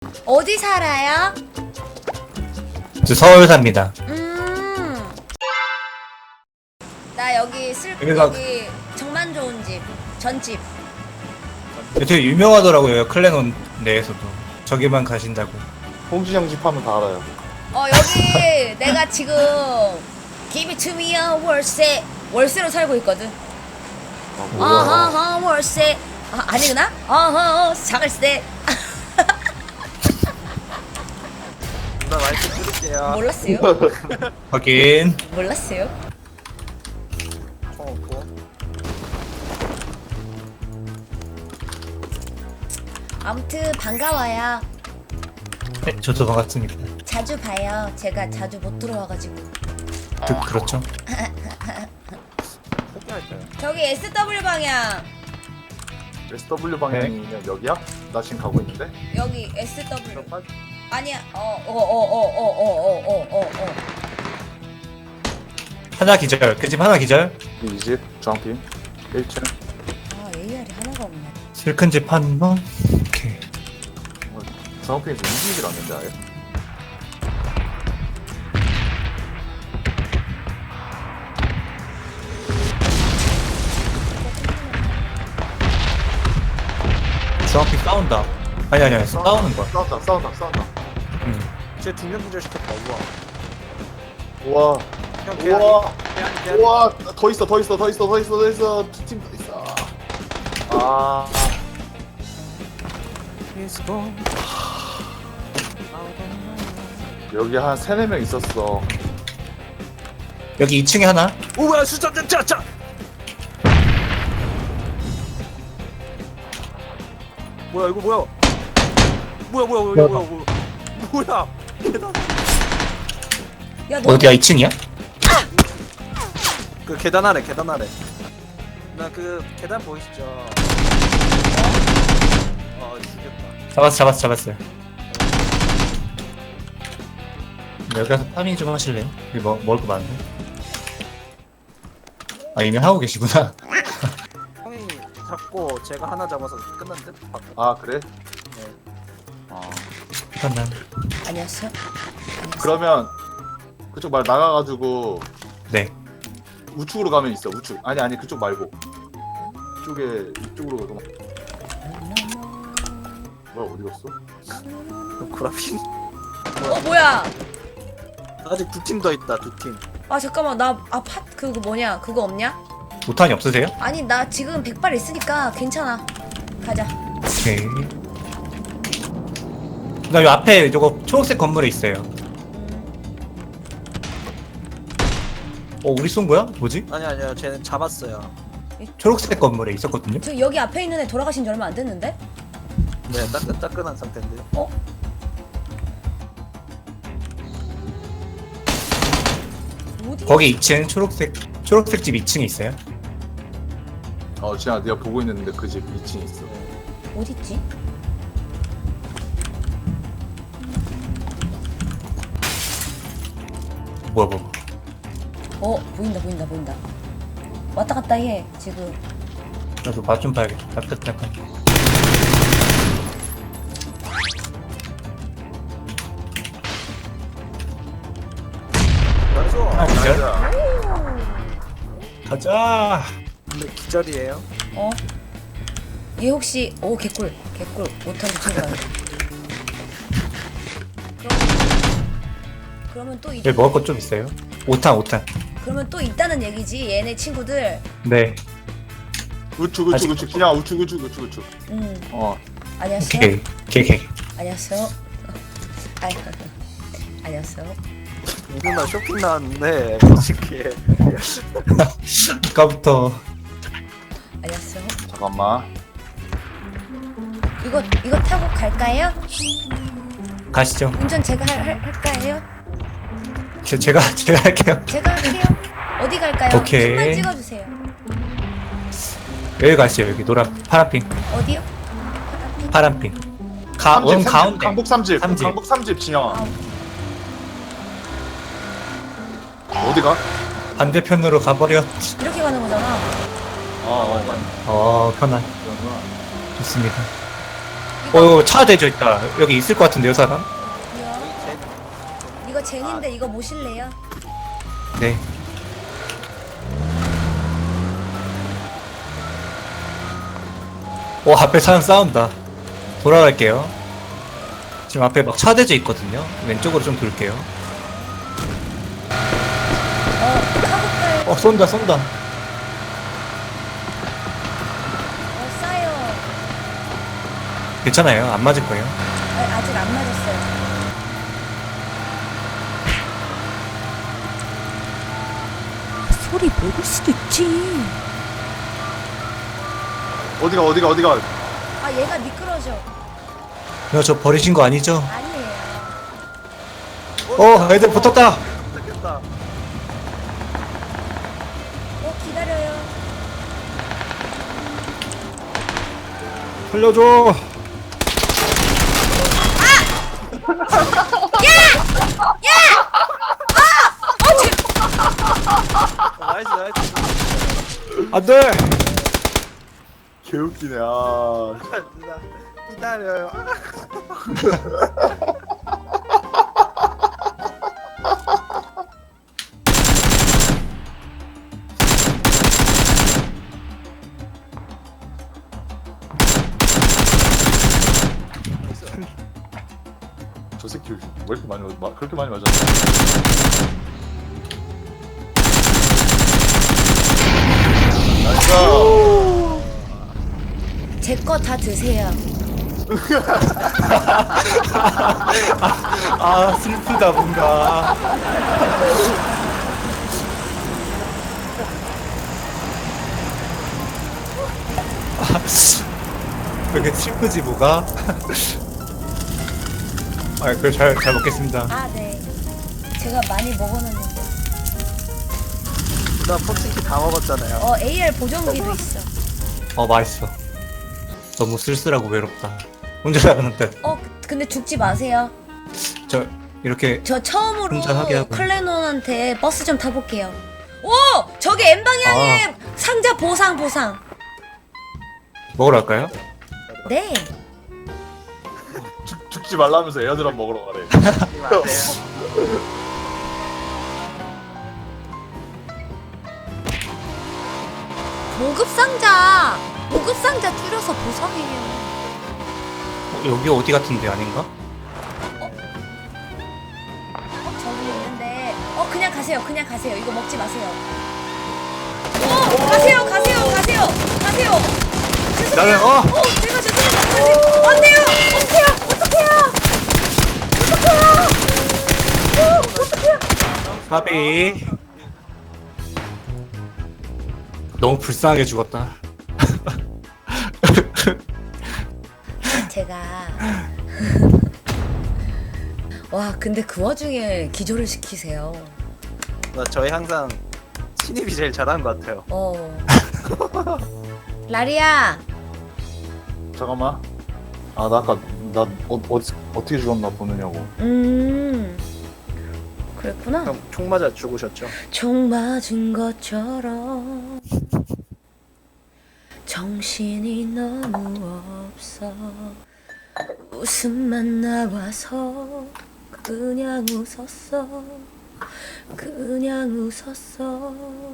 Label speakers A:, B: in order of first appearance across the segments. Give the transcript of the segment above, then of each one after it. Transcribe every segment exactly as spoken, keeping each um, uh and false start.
A: 어디 살아요?
B: 저 서울 삽니다.
A: 음. 나 여기 쓸
B: 여기가-
A: 여기 정말 좋은 집 전집.
B: 되게 유명하더라고요. 클레논 내에서도. 저기만 가신다고.
C: 홍준영 집 하면 다 알아요.
A: 어 여기 내가 지금 Give it to me a 월세 월세로 살고 있거든.
C: 아, 뭐야.
A: 어허허 월세. 아, 아니구나? 어허 자갈세.
D: 나 마이크 뚫을게요.
A: 몰랐어요?
B: 확인.
A: 몰랐어요?
D: 총 없고.
A: 아무튼 반가워요.
B: 네, 저도 반갑습니다.
A: 자주 봐요. 제가 자주 못 들어와가지고.
B: 그, 그렇죠.
D: 포기할까요?
A: 저기 에스더블유 방향.
C: 에스더블유 방향이면 여기야? 나 지금 가고 있는데?
A: 여기 에스더블유.
D: 좀 빠져.
A: 아니야. 어 어 어 어 어 어 어 어 어.
B: 하나 기절. 그 집 하나 기절.
C: 이 집 주황팀 일 층.
A: 아 에이알이 하나가 없네.
B: 슬픈 집 한 번. 오케이.
C: 어, 주황팀에서 움직이질 않는데 아예?
B: 주황빛 싸운다. 아니 아니 아니 싸우는 거야.
C: 싸운다 싸운다 싸운다.
B: 응.
D: 쟤두 명 기절 시켰다. 우와.
C: 우와
D: 형 개아리.
C: 우와
D: 개아리 개아리.
C: 우와 더 있어 더 있어 더 있어 더 있어 더 있어 두 팀 더 있어. 아 여기 한 세네 명 있었어.
B: 여기 이 층에 하나.
D: 우와 수자 짜짜. 뭐야 이거 뭐야? 뭐야 뭐야 뭐야 뭐야 뭐야? 뭐야? 계단.
A: 야 너.
B: 어디야 이 층이야?
D: 그 계단 아래 계단 아래. 나 그 계단 보이시죠? 어 죽였다.
B: 잡았어 잡았어 잡았어요. 여기 가서 파밍 좀 하실래요? 여기 뭐, 먹을 거 많네. 아 이미 하고 계시구나.
D: 형이 잡고 제가 하나 잡아서 끝난 듯.
C: 아 그래?
D: 네.
C: 아
B: 잠깐만.
A: 안녕하세요.
C: 그러면 그쪽 말 나가가지고
B: 네.
C: 우측으로 가면 있어. 우측. 아니 아니 그쪽 말고. 이쪽에 이쪽으로 가면. 뭐야 어디 갔어?
D: 구라핀.
A: 어 뭐야?
D: 아직 두 팀 더 있다 두 팀.
A: 아 잠깐만 나아팟 그거 뭐냐? 그거 없냐?
B: 오탄이 없으세요?
A: 아니 나 지금 백발 있으니까 괜찮아. 가자.
B: 오케이. 그다음 요 앞에 저거 초록색 건물에 있어요. 어 우리 쏜 거야? 뭐지?
D: 아니 아니요 쟤는 잡았어요.
B: 초록색 건물에 있었거든요.
A: 저 여기 앞에 있는 애 돌아가신 지 얼마 안 됐는데?
D: 네 따끈 따끈한 상태인데요.
A: 어? 어디?
B: 거기 이 층 초록색 초록색 집 이 층에 있어요.
C: 어 지아 내가 보고 있는데 그 집 이 층에 있어.
A: 어디 있지?
B: 뭐야 뭐.
A: 어 보인다 보인다 보인다. 왔다 갔다 해 지금.
B: 나도 맛 좀 봐야겠다. 따뜻하게.
D: 나이스.
B: 아 기절?
C: 자,
B: 가자.
D: 근데 기절이에요.
A: 어? 얘 혹시 오 개꿀 개꿀 못하는 친구야. 그럼 그러면 또 있,
B: 여기 먹을 거 좀 있어요. 오탄 오탄.
A: 그러면 또 있다는 얘기지 얘네 친구들.
B: 네.
C: 우측 우측
B: 아직-
C: 우측 그냥 우측 우측 우측 우측.
A: 음
C: 어
A: 안녕하세요.
B: 오케이. 오케이 오케이.
A: 안녕하세요. 아이 안녕하세요.
D: 누나 쇼핑 나왔는데 솔직히
B: 아까부터
A: 안녕하세요.
C: 잠깐만.
A: 이거 이거 타고 갈까요?
B: 가시죠.
A: 운전 제가 할, 할 할까요?
B: 제, 제가 제가 할게요.
A: 제가 할게요. 어디 갈까요?
B: 오케이.
A: 핀만 찍어주세요.
B: 여기 가시죠. 여기 노란 파란핑
A: 어디요?
B: 파란핑. 가, 원 가운데.
C: 강북 삼집.
B: 삼집.
C: 강북 삼집 진영아.
A: 아,
C: 어디가?
B: 반대편으로 가버려.
A: 이렇게 가는 거잖아.
C: 어, 어, 맞네.
B: 어 편안.
C: 그러구나.
B: 좋습니다.
A: 이거
B: 어, 차 대져 있다. 여기 있을 것 같은데요, 사람?
A: 이거 젠인데 이거 모실래요?
B: 네. 오, 앞에 사람 싸운다. 돌아갈게요. 지금 앞에 막 차 대져 있거든요. 왼쪽으로 좀 돌게요.
A: 어 카고팔
B: 어, 쏜다, 쏜다.
A: 어 싸요.
B: 괜찮아요. 안 맞을 거예요.
A: 아, 아직 안 맞았어요. 소리 먹을 수도 있지.
C: 어디가 어디가 어디가.
A: 아 얘가 미끄러져.
B: 야, 저 버리신 거 아니죠?
A: 아니에요.
B: 어, 애들 붙었다.
D: 됐다.
A: 어 기다려요.
B: 살려줘.
D: 어, 나이스 나이스.
B: 안 돼.
C: 개웃기네. 아.
D: 기다려요.
C: 저 새끼 왜 이렇게 많이 맞, 마- 그렇게 많이 맞았어? 나이스.
A: 제 거 다 드세요.
B: 아, 슬프다, 뭔가. 아, 왜 이렇게 슬프지, 뭐가? 아, 그래, 잘, 잘 먹겠습니다.
A: 아 네. 제가 많이 먹어놨는데.
D: 나 포칭키 다 먹었잖아요.
A: 어 에이알 보정기도 있어.
B: 어, 맛있어. 너무 쓸쓸하고 외롭다. 혼자 나가는데,
A: 어 근데 죽지 마세요.
B: 저, 이렇게,
A: 저 처음으로
B: 혼자 하게 하고.
A: 클레논한테 버스 좀 타볼게요. 오! 저기 M 방향에
B: 아.
A: 상자 보상 보상.
B: 먹으러 갈까요?
A: 네.
C: 죽, 죽지 말라면서 에어드랍 먹으러 가래.
D: 이거 안 돼요.
A: 모급 상자. 모급 상자 줄여서 보상이에요.
B: 어, 여기 어디 같은데 아닌가?
A: 어 저기 있는데. 어 그냥 가세요. 그냥 가세요. 이거 먹지 마세요. 어 가세요. 가세요. 가세요. 가세요. 죄송해요.
B: 나는, 어!
A: 어 제가 죄송해요. 가세요. 안 돼요. 어떡해요. 어떡해요. 어떡해요. 어 어떡해요.
B: 바비. 너무 불쌍하게 죽었다.
A: 제가 와 근데 그 와중에 기절을 시키세요.
D: 나 저희 항상 신입이 제일 잘하는 것 같아요.
A: 어 라리야
C: 잠깐만. 아, 나 아까 나 어, 어, 어떻게 죽었나 보느냐고.
A: 음 그랬구나.
D: 형 총 맞아 죽으셨죠?
A: 총 맞은 것처럼 정신이 너무 없어. 웃음만 나와서 그냥 웃었어. 그냥 웃었어.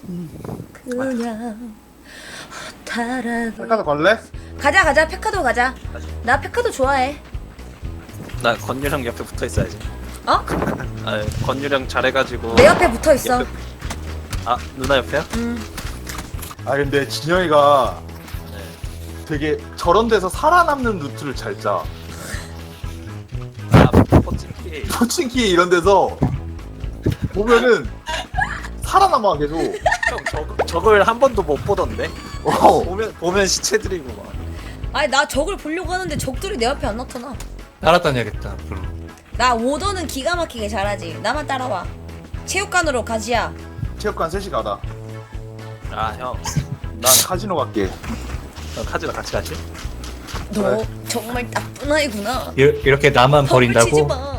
A: 그냥 허탈하게.
C: 백화도 갈래?
A: 가자 가자 페카도 가자. 나 페카도 좋아해.
D: 나 건유령 옆에 붙어 있어야지.
A: 어?
D: 아 건유령 잘해가지고.
A: 내 옆에 붙어 있어.
D: 옆에- 아 누나 옆에요?
A: 음.
C: 아, 근데 진영이가 되게 저런 데서 살아남는 루트를 잘 짜.
D: 아 포칭키.
C: 포칭키 이런 데서 보면은 살아남아 계속.
D: 형 저, 저걸 한 번도 못 보던데?
C: 어.
D: 보면 보면 시체들이고 막.
A: 아니 나 적을 보려고 하는데 적들이 내 앞에 안 나타나.
B: 따라다녀야겠다, 앞으로.
A: 나 오더는 기가 막히게 잘하지. 나만 따라와. 체육관으로 가지야.
C: 체육관 셋이 가다.
D: 아 형.
C: 난 카지노 갈게.
D: 형 카지노 같이 가시?
A: 너
C: 그래.
A: 정말 나쁜 아이구나.
B: 이, 이렇게 나만
A: 덤을 치지
B: 버린다고?
A: 마.